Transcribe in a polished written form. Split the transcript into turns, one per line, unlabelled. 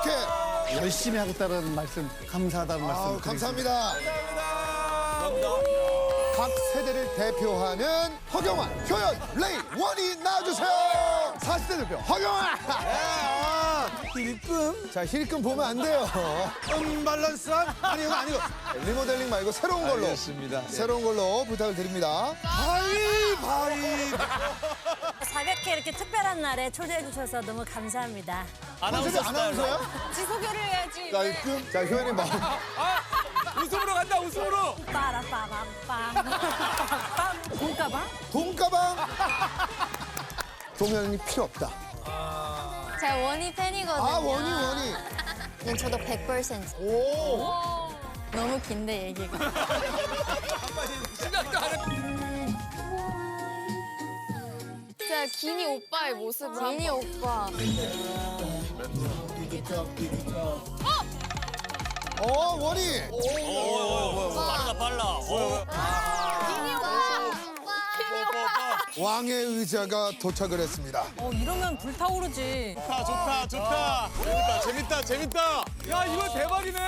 이렇게.
열심히 하겠다는 말씀, 감사하다는 말씀.
감사합니다. 각 세대를 대표하는 허경환, 효연, 레이, 원희 나와주세요. 40대 대표 허경환.
힐끔?
자, 힐끔 보면 안 돼요.
언밸런스한? 아니, 이거 아니고.
리모델링 말고 새로운 걸로.
알겠습니다.
새로운 걸로 부탁을 드립니다.
바이.
가볍게 이렇게 특별한 날에 초대해 주셔서 너무 감사합니다.
컨셉이 아나운서야?
지 소개를 해야지.
힐끔. 자, 효연이 막.
웃음으로 간다, 웃음으로.
빠라빠밤빰. 돈가방?
돈가방. 도면이 필요 없다.
제가 원희 팬이거든요.
아, 원희.
네, 저도 100%.
오.
너무 긴데 얘기가.
생각도 안 해.
제가 기니 오빠의 모습을 기니 오빠.
원희.
빠르다, 빨라.
기니 오빠.
왕의 의자가 도착을 했습니다.
이러면 불타오르지.
좋다. 재밌다.
야, 이거 대박이네.